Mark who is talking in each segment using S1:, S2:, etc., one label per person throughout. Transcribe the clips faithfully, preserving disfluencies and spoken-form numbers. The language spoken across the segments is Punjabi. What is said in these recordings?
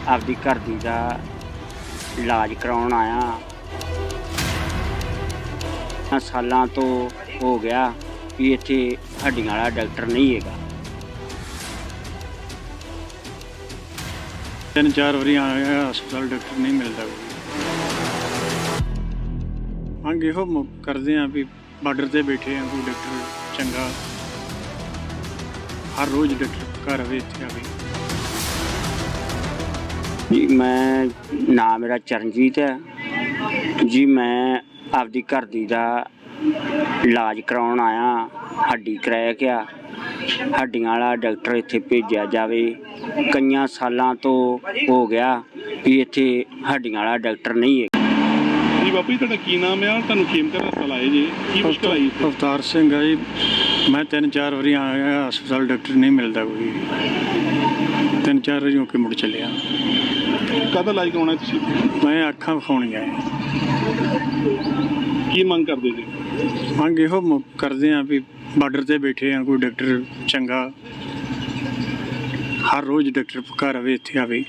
S1: ਆਪਦੀ घर दी दा इलाज कराउण आया। सालां तो हो गया भी इत्थे हड्डियां वाला डॉक्टर नहीं हैगा।
S2: तीन चार बारी आया हस्पताल डॉक्टर नहीं मिलता। मंग इहो करते हैं भी बार्डर से बैठे हैं कोई डॉक्टर चंगा हर रोज़ डॉक्टर घर आवे इत्थे आवे।
S1: जी मैं नाम मेरा चरणजीत है जी। मैं आपदी घर दी दा इलाज कराउण आया। हड्डी क्रैक आ, हड्डियां वाला डॉक्टर इत्थे भेजिया जावे। कईयां सालां तो हो गया भी इत्थे हड्डियां वाला डॉक्टर नहीं है।
S3: जी बापू जी तुहाडा की नाम है? तुहानूं खेमकर हस्पताल आए जी, की मुश्किल आई?
S2: अवतार सिंह है जी। मैं तीन चार बारी आया हस्पताल डॉक्टर नहीं मिलता कोई। तीन चार बारी होके मुड़ चलिया।
S3: काहदा इलाज कराउणा तुसीं?
S2: मैं अखां विखाउणियां है।
S3: की मंग करदे जी?
S2: मंग इहो करते हैं भी बार्डर से बैठे हैं कोई डॉक्टर चंगा हर रोज़ डॉक्टर घर आवे इत्थे आवे।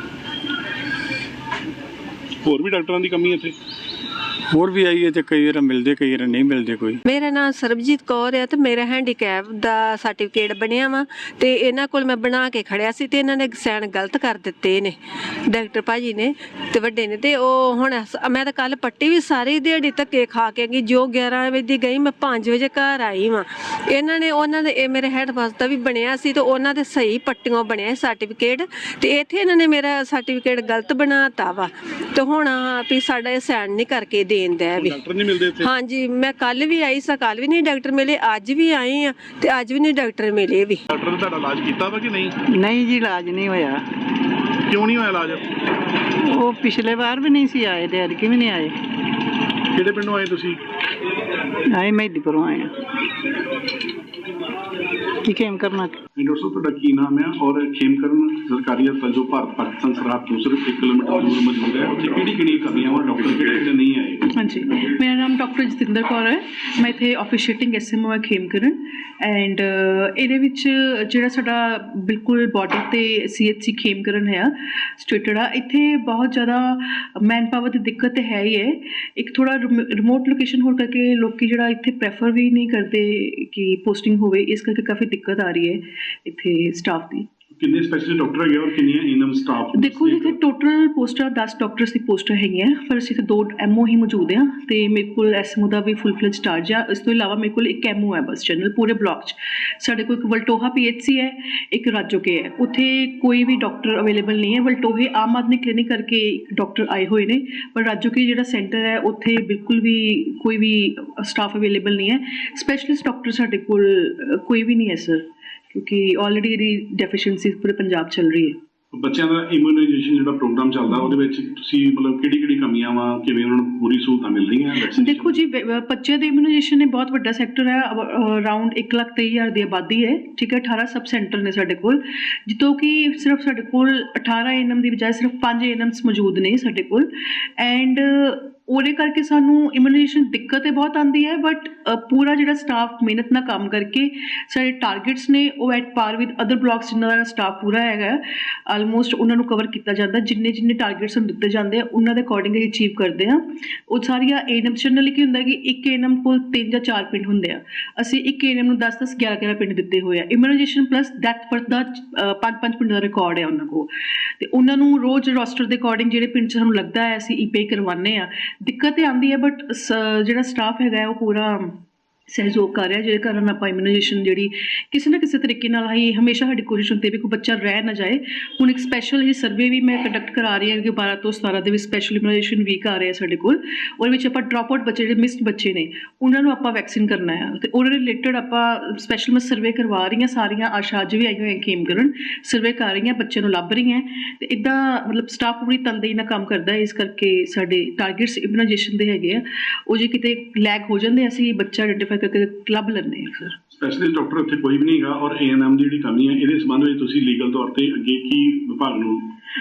S3: होर भी डॉक्टरां दी कमी इत्थे?
S2: होर भी आई है तो कई बार मिलते कई बार नहीं मिलते कोई।
S4: मेरा नाम सरबजीत कौर है तो मेरा हैंडीकैप का सर्टिफिकेट बनया वा तो इन्हों को मैं बना के खड़िया सी ते इन्होंने सैन गलत कर दिते ने डॉक्टर भाजी ने ते वड्डे ने ते ओ हुण मैं तो कल पट्टी भी सारी दिहाड़ी धक्के खा के गई। जो ग्यारह बजे गई मैं पाँच बजे घर आई वां। इन्होंने उन्होंने मेरे हैड बस का भी बनया सी तो उन्होंने सही पट्टियों बनया सर्टिफिकेट तो इत्थे इन्होंने मेरा सर्टिफिकेट गलत बनाता वा तो हुण भी साडा सैन नहीं करके देन दे भी।
S3: डॉक्टर नहीं मिलते इत्थे?
S4: हाँ जी मैं कल भी आई सा, कल भी नहीं डॉक्टर मिले, अज भी आई हाँ तो अज भी नहीं डॉक्टर मिले भी।
S3: डॉक्टर ने तुहाडा इलाज कीता वा कि नहीं?
S5: नहीं जी इलाज नहीं होया।
S3: क्यों नहीं होया इलाज?
S5: वो पिछले बार भी नहीं सी आए ते अरकी भी नहीं आए।
S3: किहड़े पिंडों आए तुसीं?
S5: आए मेहदीपुरों आए की खेम करना।
S3: डॉक्टर साहब तुहाडा की नाम है और खेमकरण सरकारी हस्पताल जो भारत पाकिस्तान सरहद तो सिर्फ एक किलोमीटर दूर मौजूद है, उत्थे किहड़ी किहड़ी कमियां और डॉक्टर किहड़े नहीं आए?
S6: हाँ जी मेरा नाम डॉक्टर जतिंदर कौर है। मैं इत्थे ऑफिशिएटिंग एस एम ओ है खेमकरण एंड ਇਹਦੇ ਵਿੱਚ ਜਿਹੜਾ ਸਾਡਾ ਬਿਲਕੁਲ ਬਾਰਡਰ ਤੇ ਸੀ ਐਚ ਸੀ ਖੇਮਕਰਨ ਹੈ ਸਟੇਟਡ ਆ। ਇੱਥੇ ਬਹੁਤ ਜ਼ਿਆਦਾ ਮੈਨ ਪਾਵਰ ਦੀ ਦਿੱਕਤ ਤਾਂ ਹੈ ਹੀ ਹੈ। ਇੱਕ ਥੋੜਾ ਰਿਮੋਟ ਲੋਕੇਸ਼ਨ ਹੋਣ ਕਰਕੇ ਲੋਕੀ ਜਿਹੜਾ ਇੱਥੇ ਪ੍ਰੈਫਰ ਵੀ ਨਹੀਂ ਕਰਦੇ ਕਿ ਪੋਸਟਿੰਗ ਹੋਵੇ, ਇਸ ਕਰਕੇ ਕਾਫੀ ਦਿੱਕਤ ਆ ਰਹੀ ਹੈ ਇੱਥੇ ਸਟਾਫ ਦੀ।
S3: कितने स्पेशलिस्ट डॉक्टर है और कितने एएनएम स्टाफ?
S6: देखो जी इतने टोटल पोस्टर दस डॉक्टर्स की पोस्टर है पर असीं दो एमओ ही मौजूद हैं तो मेरे को एसएमओ का भी फुल फ्लैज चार्ज आ। इस तो इलावा मेरे को एक एमओ है बस जनरल पूरे ब्लॉक च। साढ़े को एक वलटोहा पी एच सी है, एक राजोके है, उत्थे कोई भी डॉक्टर अवेलेबल नहीं है। वलटोहे आम आदमी क्लिनिक करके डॉक्टर आए हुए ने पर राजोके जो सेंटर है उत्थे बिल्कुल भी कोई भी स्टाफ अवेलेबल नहीं है। स्पैशलिस्ट डॉक्टर साढ़े को कोई भी नहीं है सर, क्योंकि ऑलरेडी ਇਹਦੀ ਡੈਫੀਸ਼ੀਐਂਸੀ ਪੂਰੇ ਪੰਜਾਬ ਚੱਲ ਰਹੀ ਹੈ।
S3: ਬੱਚਿਆਂ ਦਾ ਇਮਿਊਨਾਈਜੇਸ਼ਨ ਜਿਹੜਾ ਪ੍ਰੋਗਰਾਮ ਚੱਲਦਾ ਉਹਦੇ ਵਿੱਚ ਤੁਸੀਂ ਮਤਲਬ ਕਿਹੜੀ ਕਿਹੜੀ ਕਮੀਆਂ ਵਾ, ਕਿਵੇਂ ਉਹਨਾਂ ਨੂੰ ਪੂਰੀ ਸਹੂਲਤਾਂ ਮਿਲ ਰਹੀਆਂ?
S6: ਦੇਖੋ ਜੀ ਬੱਚਿਆਂ ਦੇ ਇਮਿਊਨਾਈਜੇਸ਼ਨ ਇਹ ਬਹੁਤ ਵੱਡਾ ਸੈਕਟਰ ਹੈ। ਅਰਾਊਂਡ ਇੱਕ ਲੱਖ ਤੇਈ ਹਜ਼ਾਰ ਦੀ ਆਬਾਦੀ ਹੈ, ਠੀਕ ਹੈ। ਅਠਾਰਾਂ ਸਬ ਸੈਂਟਰ ਨੇ ਸਾਡੇ ਕੋਲ, ਜਿੱਥੋਂ ਕਿ ਸਿਰਫ ਸਾਡੇ ਕੋਲ ਅਠਾਰਾਂ ਏ ਐਨ ਐਮ ਦੀ ਬਜਾਏ ਸਿਰਫ ਪੰਜ ਏ ਐਨ ਐਮਸ ਮੌਜੂਦ ਨੇ ਸਾਡੇ ਕੋਲ। ਐਂਡ ਉਹਦੇ ਕਰਕੇ ਸਾਨੂੰ ਇਮਿਊਨਾਈਜੇਸ਼ਨ ਦਿੱਕਤ ਇਹ ਬਹੁਤ ਆਉਂਦੀ ਹੈ ਬਟ ਪੂਰਾ ਜਿਹੜਾ ਸਟਾਫ ਮਿਹਨਤ ਨਾਲ ਕੰਮ ਕਰਕੇ ਸਾਡੇ ਟਾਰਗੇਟਸ ਨੇ ਉਹ ਐਟ ਪਾਰ ਵਿਦ ਅਦਰ ਬਲਾਕਸ ਜਿਨ੍ਹਾਂ ਦਾ ਸਟਾਫ ਪੂਰਾ ਹੈਗਾ ਆਲਮੋਸਟ ਉਹਨਾਂ ਨੂੰ ਕਵਰ ਕੀਤਾ ਜਾਂਦਾ। ਜਿੰਨੇ ਜਿੰਨੇ ਟਾਰਗੇਟਸ ਨੂੰ ਦਿੱਤੇ ਜਾਂਦੇ ਆ ਉਹਨਾਂ ਦੇ ਅਕੋਰਡਿੰਗ ਹੀ ਅਚੀਵ ਕਰਦੇ ਆ। ਉਹ ਸਾਰੀਆਂ ਏ ਐਨ ਐਮ ਜਨਰਲੀ ਕੀ ਹੁੰਦਾ ਕਿ ਇੱਕ ਏ ਐਨ ਐਮ ਕੋਲ ਤਿੰਨ ਜਾਂ ਚਾਰ ਪਿੰਡ ਹੁੰਦੇ ਆ, ਅਸੀਂ ਇੱਕ ਏ ਐਨ ਐਮ ਨੂੰ ਦਸ ਦਸ ਗਿਆਰਾਂ ਗਿਆਰਾਂ ਪਿੰਡ ਦਿੱਤੇ ਹੋਏ ਆ। ਇਮਿਊਨਾਈਜੇਸ਼ਨ ਪਲੱਸ ਡੈਥ ਬਰਥ ਦਾ ਪੰਜ ਪੰਜ ਪਿੰਡ ਦਾ ਰਿਕਾਰਡ ਹੈ ਉਹਨਾਂ ਕੋਲ ਤੇ ਉਹਨਾਂ ਨੂੰ ਰੋਜ਼ ਰੋਸਟਰ ਦੇ ਅਕੋਰਡਿੰਗ ਜਿਹੜੇ ਪਿੰਡ 'ਚ ਸਾਨੂੰ ਲੱਗਦਾ ਹੈ ਅਸੀਂ ਈ ਪੇ ਕਰਵਾਉਂਦੇ ਆ। ਦਿੱਕਤ ਤਾਂ ਆਉਂਦੀ ਹੈ ਬਟ ਜਿਹੜਾ ਸਟਾਫ ਹੈਗਾ ਉਹ ਪੂਰਾ ਸਹਿਯੋਗ ਕਰ ਰਿਹਾ, ਜਿਹਦੇ ਕਾਰਨ ਆਪਾਂ ਇਮਿਊਨਾਈਜੇਸ਼ਨ ਜਿਹੜੀ ਕਿਸੇ ਨਾ ਕਿਸੇ ਤਰੀਕੇ ਨਾਲ ਹੀ ਹਮੇਸ਼ਾ ਸਾਡੀ ਕੋਸ਼ਿਸ਼ ਹੁੰਦੀ ਵੀ ਕੋਈ ਬੱਚਾ ਰਹਿ ਨਾ ਜਾਏ। ਹੁਣ ਇੱਕ ਸਪੈਸ਼ਲ ਹੀ ਸਰਵੇ ਵੀ ਮੈਂ ਕੰਡਕਟ ਕਰਾ ਰਹੀ ਹਾਂ ਕਿ ਬਾਰਾਂ ਤੋਂ ਸਤਾਰਾਂ ਦੇ ਵਿੱਚ ਸਪੈਸ਼ਲ ਇਮਿਊਨਾਈਜੇਸ਼ਨ ਵੀਕ ਆ ਰਿਹਾ ਸਾਡੇ ਕੋਲ। ਉਹਦੇ ਵਿੱਚ ਆਪਾਂ ਡਰੋਪ ਆਊਟ ਬੱਚੇ ਜਿਹੜੇ ਮਿਸਡ ਬੱਚੇ ਨੇ ਉਹਨਾਂ ਨੂੰ ਆਪਾਂ ਵੈਕਸੀਨ ਕਰਨਾ ਹੈ ਅਤੇ ਉਹਦੇ ਰਿਲੇਟਡ ਆਪਾਂ ਸਪੈਸ਼ਲ ਮੈਂ ਸਰਵੇ ਕਰਵਾ ਰਹੀ ਹਾਂ। ਸਾਰੀਆਂ ਆਸ਼ਾ ਅੱਜ ਵੀ ਆਈਆਂ ਹੋਈਆਂ ਖੇਮਕਰਨ ਸਰਵੇ ਕਰ ਰਹੀਆਂ, ਬੱਚਿਆਂ ਨੂੰ ਲੱਭ ਰਹੀਆਂ ਅਤੇ ਇੱਦਾਂ ਮਤਲਬ ਸਟਾਫ ਪੂਰੀ ਤਨਦੇਹੀ ਨਾਲ ਕੰਮ ਕਰਦਾ ਹੈ। ਇਸ ਕਰਕੇ ਸਾਡੇ ਟਾਰਗੇਟਸ ਇਮਿਊਨਾਈਜੇਸ਼ਨ ਦੇ ਹੈਗੇ ਆ, ਉਹ ਜੇ ਕਿਤੇ ਲੈਗ ਹੋ ਜਾਂਦੇ ਅਸੀਂ ਬੱਚਾ ਆਈਡੈਂਟੀਫਾਈ ਕਰਕੇ ਕਲੱਬ ਲੈਂਦੇ ਹਾਂ ਸਰ।
S3: ਸਪੈਸ਼ਲਿਸਟ ਡਾਕਟਰ ਇੱਥੇ ਕੋਈ ਵੀ ਨਹੀਂ ਹੈਗਾ ਔਰ ਏ ਐਨ ਐਮ ਦੀ ਜਿਹੜੀ ਕਮੀ ਹੈ ਇਹਦੇ ਸੰਬੰਧ ਵਿੱਚ ਤੁਸੀਂ ਲੀਗਲ ਤੌਰ ਤੇ ਅੱਗੇ ਕੀ ਵਿਭਾਗ ਨੂੰ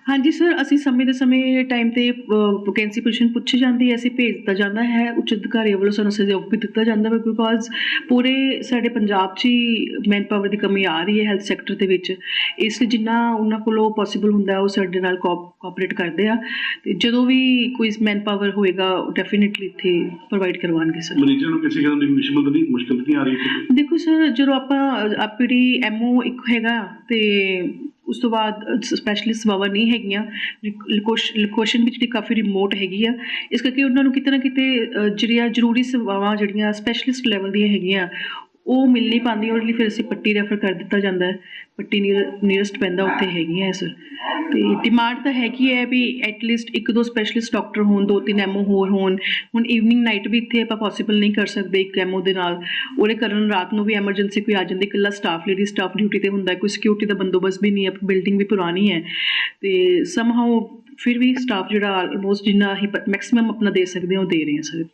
S6: ਹਾਂਜੀ ਸਰ, ਅਸੀਂ ਸਮੇਂ ਦੇ ਸਮੇਂ ਟਾਈਮ ਤੇ ਵੈਕੈਂਸੀ ਪੋਜੀਸ਼ਨ ਪੁੱਛੀ ਜਾਂਦੀ ਹੈ, ਅਸੀਂ ਭੇਜ ਦਿੱਤਾ ਜਾਂਦਾ ਹੈ, ਉੱਚ ਅਧਿਕਾਰੀਆਂ ਵੱਲੋਂ ਸਾਨੂੰ ਸਹਿਯੋਗ ਵੀ ਦਿੱਤਾ ਜਾਂਦਾ ਹੈ, ਬਿਕੋਜ਼ ਪੂਰੇ ਸਾਡੇ ਪੰਜਾਬ 'ਚ ਹੀ ਮੈਨ ਪਾਵਰ ਦੀ ਕਮੀ ਆ ਰਹੀ ਹੈ ਹੈਲਥ ਸੈਕਟਰ ਦੇ ਵਿੱਚ। ਇਸ ਲਈ ਜਿੰਨਾ ਉਹਨਾਂ ਕੋਲੋਂ ਪੋਸੀਬਲ ਹੁੰਦਾ ਉਹ ਸਾਡੇ ਨਾਲ ਕੋਆਪਰੇਟ ਕਰਦੇ ਆ, ਤੇ ਜਦੋਂ ਵੀ ਕੋਈ ਮੈਨ ਪਾਵਰ ਹੋਏਗਾ ਡੈਫੀਨੇਟਲੀ ਇੱਥੇ ਪ੍ਰੋਵਾਈਡ ਕਰਵਾਉਣਗੇ ਸਰ।
S3: ਮਰੀਜ਼ਾਂ ਨੂੰ ਕਿਸੇ ਕਿਸਮ ਦੀ ਮੁਸ਼ਕਲ ਨਹੀਂ ਮੁਸ਼ਕਲ ਨਹੀਂ ਆ ਰਹੀ ਇੱਥੇ?
S6: ਦੇਖੋ ਸਰ, ਜਦੋਂ ਆਪਾਂ ਆਪਣੀ ਐਮਓ ਇੱਕ ਹੈਗਾ ਤੇ ਉਸ ਤੋਂ ਬਾਅਦ ਸਪੈਸ਼ਲਿਸਟ ਸੇਵਾਵਾਂ ਨਹੀਂ ਹੈਗੀਆਂ, ਲੋਕੇਸ਼ਨ ਵਿੱਚ ਜਿਹੜੀ ਕਾਫੀ ਰਿਮੋਟ ਹੈਗੀ ਆ, ਇਸ ਕਰਕੇ ਉਹਨਾਂ ਨੂੰ ਕਿਤੇ ਨਾ ਕਿਤੇ ਅ, ਜਿਹੜੀਆਂ ਜ਼ਰੂਰੀ ਸੇਵਾਵਾਂ ਜਿਹੜੀਆਂ ਸਪੈਸ਼ਲਿਸਟ ਲੈਵਲ ਦੀਆਂ ਹੈਗੀਆਂ ਉਹ ਮਿਲ ਨਹੀਂ ਪਾਉਂਦੀਆਂ। ਉਹਦੇ ਲਈ ਫਿਰ ਅਸੀਂ ਪੱਟੀ ਰੈਫਰ ਕਰ ਦਿੱਤਾ ਜਾਂਦਾ ਹੈ, ਪੱਟੀ ਨੀਅਰਸਟ ਪੈਂਦਾ ਉੱਥੇ ਹੈਗੀਆਂ ਸਰ। ਅਤੇ ਡਿਮਾਂਡ ਤਾਂ ਹੈਗੀ ਹੈ ਵੀ ਐਟਲੀਸਟ ਇੱਕ ਦੋ ਸਪੈਸ਼ਲਿਸਟ ਡਾਕਟਰ ਹੋਣ, ਦੋ ਤਿੰਨ ਐਮਓ ਹੋਰ ਹੋਣ। ਹੁਣ ਈਵਨਿੰਗ ਨਾਈਟ ਵੀ ਇੱਥੇ ਆਪਾਂ ਪੋਸੀਬਲ ਨਹੀਂ ਕਰ ਸਕਦੇ ਇੱਕ ਐਮਓ ਦੇ ਨਾਲ, ਉਹਦੇ ਕਾਰਨ ਰਾਤ ਨੂੰ ਵੀ ਐਮਰਜੈਂਸੀ ਕੋਈ ਆ ਜਾਂਦੀ, ਇਕੱਲਾ ਸਟਾਫ ਲੇਡੀ ਸਟਾਫ ਡਿਊਟੀ 'ਤੇ ਹੁੰਦਾ, ਕੋਈ ਸਿਕਿਉਰਿਟੀ ਦਾ ਬੰਦੋਬਸਤ ਵੀ ਨਹੀਂ ਹੈ, ਬਿਲਡਿੰਗ ਵੀ ਪੁਰਾਣੀ ਹੈ, ਅਤੇ ਸਮਹਾਓ ਫਿਰ ਵੀ ਸਟਾਫ ਜਿਹੜਾ ਆਲਮੋਸਟ ਜਿੰਨਾ ਅਸੀਂ ਮੈਕਸੀਮਮ ਆਪਣਾ ਦੇ ਸਕਦੇ ਹਾਂ ਉਹ ਦੇ ਰਹੇ ਹਾਂ ਸਰ।